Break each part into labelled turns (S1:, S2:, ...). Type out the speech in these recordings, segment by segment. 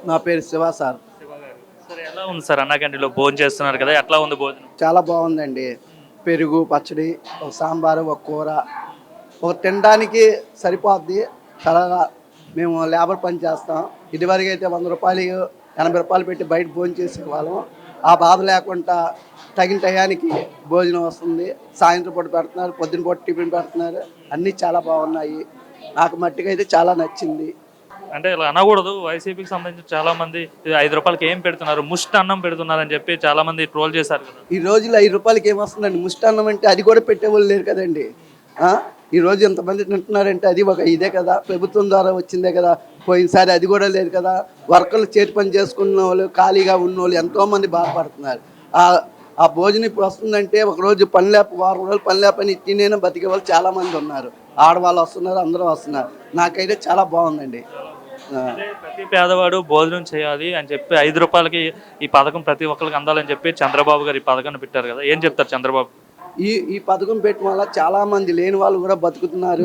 S1: నా పేరు శివ సార్.
S2: శివ గారు. సరే ఎలా ఉంది సార్ అన్నా క్యాంటీన్‌లో భోజనం చేస్తున్నారు కదా! ఎట్లా ఉంది భోజనం?
S1: చాలా బాగుందండి. పెరుగు, పచ్చడి, ఒక సాంబారు, ఒక కూర, ఒక తినడానికి సరిపోద్ది. చాలా మేము లేబర్ పని చేస్తాం. ఇదివరకు అయితే రూ. 100, రూ. 80 పెట్టి బయట భోజనం చేసేవాళ్ళం. ఆ బాధ లేకుండా తగిన టయానికి భోజనం వస్తుంది. సాయంత్రం పూట పెడుతున్నారు, పొద్దున పూట టిఫిన్ పెడుతున్నారు. అన్నీ చాలా బాగున్నాయి. నాకు మట్టుకైతే చాలా నచ్చింది.
S2: అంటే ఇలా అనకూడదు. వైసీపీకి సంబంధించి చాలా మంది ఇది రూ. 5కి ఏం పెడుతున్నారు? ముష్టి అన్నం పెడుతున్నారని చెప్పి చాలా మంది ట్రోల్ చేశారు కదా!
S1: ఈ రోజుల్లో రూ. 5కి ఏమొస్తుందండి? ముష్టాన్నం అంటే అది కూడా పెట్టేవాళ్ళు లేరు కదండి. ఈ రోజు ఎంతమంది తింటున్నారంటే అది ఒక ఇదే కదా, ప్రభుత్వం ద్వారా వచ్చిందే కదా. పోయినసారి అది కూడా లేదు కదా. వర్కర్లు చేతి పని చేసుకున్న వాళ్ళు, ఖాళీగా ఉన్న వాళ్ళు ఎంతోమంది బాధపడుతున్నారు. ఆ భోజనం ఇప్పుడు వస్తుందంటే ఒకరోజు పని లేక, వారం రోజులు పని లేపని తినేనా బతికే వాళ్ళు చాలామంది ఉన్నారు. ఆడవాళ్ళు వస్తున్నారు, అందరూ వస్తున్నారు. నాకైతే చాలా బాగుందండి.
S2: అంటే ప్రతి పేదవాడు భోజనం చేయాలి అని చెప్పి రూ. 5కి ఈ పథకం ప్రతి ఒక్కరికి అందాలని చెప్పి చంద్రబాబు గారు ఈ పథకాన్ని పెట్టారు కదా! ఏం చెప్తారు చంద్రబాబు?
S1: ఈ పథకం పెట్టడం వల్ల చాలామంది లేని వాళ్ళు కూడా బతుకుతున్నారు.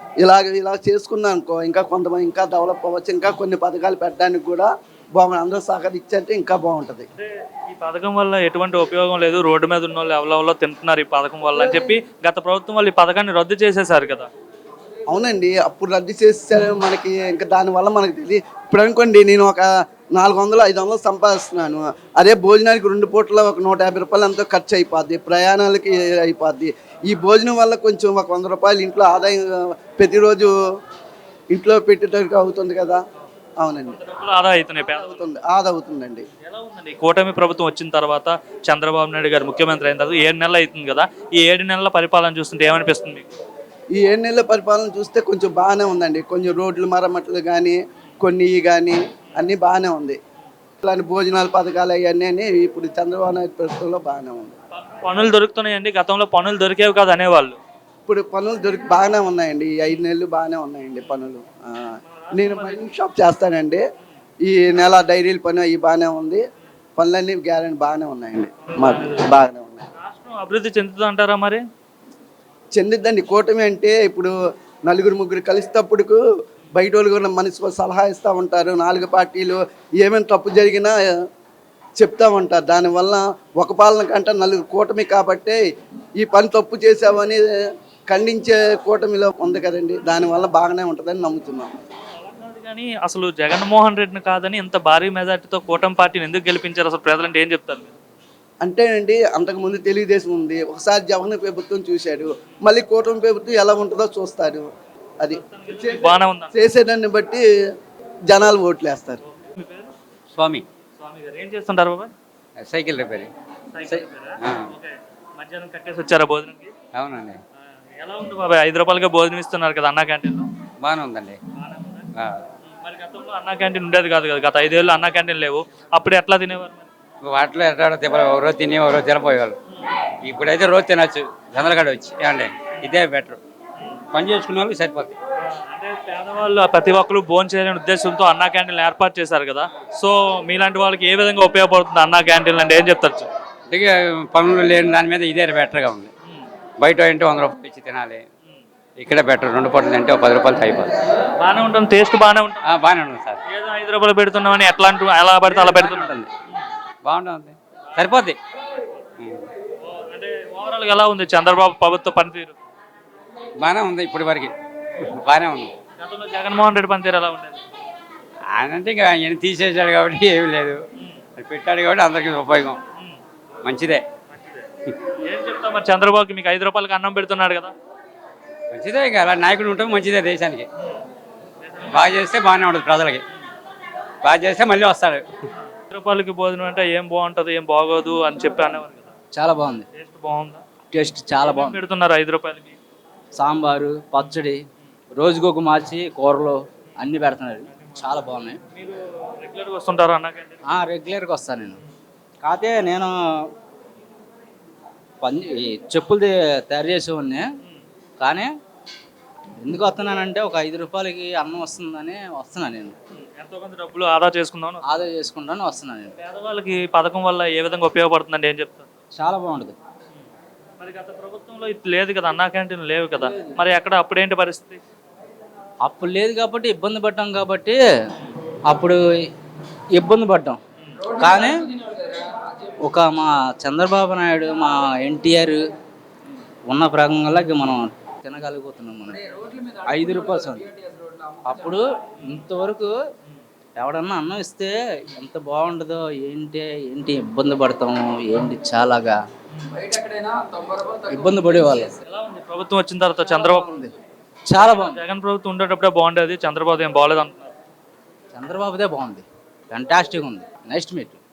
S1: ఇలా చేసుకున్నాం అనుకో, ఇంకా కొంతమంది ఇంకా డెవలప్ అవ్వచ్చు. ఇంకా కొన్ని పథకాలు పెట్టడానికి కూడా బాగుంది. అందరూ సహకరించంటే ఇంకా బాగుంటుంది.
S2: అంటే ఈ పథకం వల్ల ఎటువంటి ఉపయోగం లేదు. రోడ్డు మీద ఉన్న వాళ్ళు ఎవరెవరో తింటున్నారు ఈ పథకం వల్ల అని చెప్పి గత ప్రభుత్వం వాళ్ళు ఈ పథకాన్ని రద్దు చేసేశారు కదా!
S1: అవునండి, అప్పుడు రద్దు చేసేసారు. మనకి ఇంకా దానివల్ల మనకి తెలియదు. ఇప్పుడు అనుకోండి, నేను ఒక 400, 500 సంపాదిస్తున్నాను. అదే భోజనానికి 2 పూటల ఒక రూ. 150 ఎంతో ఖర్చు అయిపోద్ది, ప్రయాణాలకి అయిపోద్ది. ఈ భోజనం వల్ల కొంచెం ఒక రూ. 100 ఇంట్లో ఆదాయం ప్రతిరోజు ఇంట్లో పెట్టేటట్టుగా అవుతుంది కదా. అవునండి,
S2: ఆదా అవుతున్నాయి
S1: అవుతుంది, ఆదా అవుతుందండి.
S2: ఎలా ఉందండి కూటమి ప్రభుత్వం వచ్చిన తర్వాత చంద్రబాబు నాయుడు గారు ముఖ్యమంత్రి అయిన తర్వాత 7 నెలలు అవుతుంది కదా, ఈ 7 నెలల పరిపాలన చూస్తుంటే ఏమనిపిస్తుంది మీకు?
S1: ఈ 7 నెలల పరిపాలన చూస్తే కొంచెం బాగానే ఉందండి. కొంచెం రోడ్లు మరమ్మట్లు కానీ, కొన్ని కానీ అన్నీ బాగానే ఉంది. ఇలాంటి భోజనాల పథకాలు అవన్నీ ఇప్పుడు చంద్రబాబు నాయుడు ప్రభుత్వంలో బాగానే ఉంది.
S2: పనులు దొరుకుతున్నాయండి, గతంలో పనులు దొరికేవి కాదు అనేవాళ్ళు.
S1: ఇప్పుడు పనులు బాగానే ఉన్నాయండి. ఈ 5 నెలలు బాగానే ఉన్నాయండి పనులు. నేను మైనింగ్ షాప్ చేస్తానండి. ఈ నెల డైరీల పని అవి బాగానే ఉంది. పనులన్నీ గ్యారెంటీ బాగానే ఉన్నాయండి, మాకు బాగానే ఉన్నాయి.
S2: రాష్ట్రం అభివృద్ధి చెందుతుంది అంటారా మరి?
S1: చెందిద్దండి. కూటమి అంటే ఇప్పుడు నలుగురు ముగ్గురు కలిసేటప్పుడుకు బయట వాళ్ళు కూడా మనిషి సలహా ఇస్తూ ఉంటారు. 4 పార్టీలు ఏమైనా తప్పు జరిగినా చెప్తా ఉంటారు. దానివల్ల ఒక పాలన కంటే నలుగురు కూటమి కాబట్టి ఈ పని తప్పు చేసామని ఖండించే కూటమిలో ఉంది కదండి. దానివల్ల బాగానే ఉంటుందని నమ్ముతున్నాం.
S2: కానీ అసలు జగన్మోహన్ రెడ్డిని కాదని ఇంత భారీ మెజార్టీతో కూటమి పార్టీని ఎందుకు గెలిపించారు? అసలు ప్రజలంటే ఏం చెప్తారు మీరు?
S1: అంటే అండి, అంతకుముందు తెలుగుదేశం ఉంది, ఒకసారి జగన్ ప్రభుత్వం చూశాడు, మళ్ళీ కూటమి ప్రభుత్వం ఎలా ఉంటుందో చూస్తారు. అది
S2: బాగానే ఉందా?
S1: చేసేదాన్ని బట్టి జనాలు ఓట్లు వేస్తారు.
S2: మీ పేరు?
S3: స్వామి
S2: స్వామి గారు ఏం చేస్తుంటారు బాబాయ్?
S3: Cycle repairing.
S2: సైకిల్ రిపేరా? ఓకే. మధ్యాహ్నం కట్టేసి వచ్చారా భోజనంకి?
S3: అవునండి,
S2: ఎలా ఉంది బాబాయ్? రూ. 5కే భోజనం ఇస్తున్నారు కదా అన్నా క్యాంటీన్లో?
S3: బాగానే ఉందండి.
S2: మరి గతంలో అన్నా క్యాంటీన్ ఉండేది కాదు కదా, గత 5 ఏళ్ళు అన్నా క్యాంటీన్ లేవు. అప్పుడు ఎట్లా తినేవారు మరి?
S3: వాటిలో ఎట్లా తిప్పలు రోజు తిని రోజు తినపోయేవాళ్ళు. ఇప్పుడైతే రోజు తినచ్చు జొన్నలగడ్డ వచ్చి. ఏమండి, ఇదే బెటర్. పని చేసుకునే వాళ్ళకి సరిపోతుంది.
S2: అంటే పేదవాళ్ళు ప్రతి ఒక్కరు భోజనం చేయాలనే ఉద్దేశంతో అన్నా క్యాంటీన్లు ఏర్పాటు చేశారు కదా. సో మీలాంటి వాళ్ళకి ఏ విధంగా ఉపయోగపడుతుంది అన్నా క్యాంటీన్లు అంటే ఏం చెప్తారు?
S3: అంటే పనులు లేని దాని మీద ఇదే బెటర్గా ఉంది. బయట అంటే 100 రూపాయలు ఇచ్చి తినాలి, ఇక్కడ బెటర్. 2 పూటలు అంటే 10 రూపాయలు అయిపోతుంది.
S2: బాగానే ఉంటుంది, టేస్ట్ బాగానే ఉంటుంది.
S3: బాగానే ఉంటుంది సార్.
S2: ఏదో రూ. 5 పెడుతున్నామని ఎట్లా అంటూ ఎలా పడితే అలా పెడుతుంటుంది.
S3: బాగుంటుంది, సరిపోద్ది.
S2: అంటే ఓవరాల్గా ఎలా ఉంది చంద్రబాబు ప్రభుత్వ పనితీరు?
S3: బాగానే ఉంది, ఇప్పటి వరకు బాగానే ఉంది.
S2: గతంలో జగన్మోహన్ రెడ్డి పనితీరు ఎలా ఉండేది?
S3: ఆయన అంటే ఇక ఆయన తీసేసాడు కాబట్టి ఏమీ లేదు, అది పెట్టాడు కాబట్టి అందరికీ ఉపయోగం. మంచిదే.
S2: ఏం చెప్తాం మరి చంద్రబాబుకి? మీకు రూ. 5కి అన్నం పెడుతున్నాడు కదా.
S3: మంచిదే, ఇక అలా నాయకుడు ఉంటే మంచిదే దేశానికి. బాగా చేస్తే బాగానే ఉంటుంది, ప్రజలకి బాగా చేస్తే మళ్ళీ వస్తాడు.
S2: రూపాయలకి భోజనం అంటే ఏం బాగుంటుంది ఏం బాగోదు అని చెప్పి అనేవారు కదా.
S4: చాలా బాగుంది.
S2: టేస్ట్ బాగుందా?
S4: టేస్ట్ చాలా బాగుంది.
S2: పెడుతున్నారు రూ. 5కి?
S4: సాంబారు, పచ్చడి, రోజుకొక మార్చి కూరలు అన్నీ పెడుతున్నారు. చాలా బాగున్నాయి.
S2: మీరు రెగ్యులర్గా వస్తుంటారు అన్నా క్యాంటీన్?
S4: రెగ్యులర్గా వస్తాను నేను. కాకపోతే నేను చెప్పులు తయారు చేసేవాడిని. కానీ ఎందుకు వస్తున్నానంటే ఒక రూ. 5కి అన్నం వస్తుందని వస్తున్నాను నేను.
S2: ఎంతో కొంత డబ్బులు ఆదా చేసుకుందాం,
S4: ఆదా చేసుకుంటాను వస్తున్నాను నేను.
S2: పేదవాళ్ళకి పథకం వల్ల ఏ విధంగా ఉపయోగపడుతుందండి ఏం చెప్తారు?
S4: చాలా బాగుంటుంది.
S2: మరి గత ప్రభుత్వంలో ఇది లేదు కదా, అన్నా క్యాంటీన్ లేవు కదా, మరి ఎక్కడ అప్పుడేంటి పరిస్థితి?
S4: అప్పుడు లేదు కాబట్టి ఇబ్బంది పడ్డాం కాబట్టి అప్పుడు ఇబ్బంది పడ్డాం. కానీ ఒక మా చంద్రబాబు నాయుడు, మా ఎన్టీఆర్ ఉన్న ప్రకంగా మనం తినగలిగిపోతున్నాం. మనం 5 రూపాయలు సంది. అప్పుడు ఇంతవరకు ఎవడన్నా అన్నం ఇస్తే ఎంత బాగుంటుందో, ఏంటి ఇబ్బంది పడతాము, ఏంటి చాలాగా ఇబ్బంది పడేవాళ్ళు.
S2: ఎలా ఉంది ప్రభుత్వం వచ్చిన తర్వాత చంద్రబాబు ఉంది?
S4: చాలా బాగుంది.
S2: జగన్ ప్రభుత్వం ఉండేటప్పుడే బాగుండేది, చంద్రబాబు ఏం బాగలేదు అంటున్నారు.
S4: చంద్రబాబుదే బాగుంది, ఫెంటాస్టిక్ ఉంది, నెక్స్ట్ మీట్.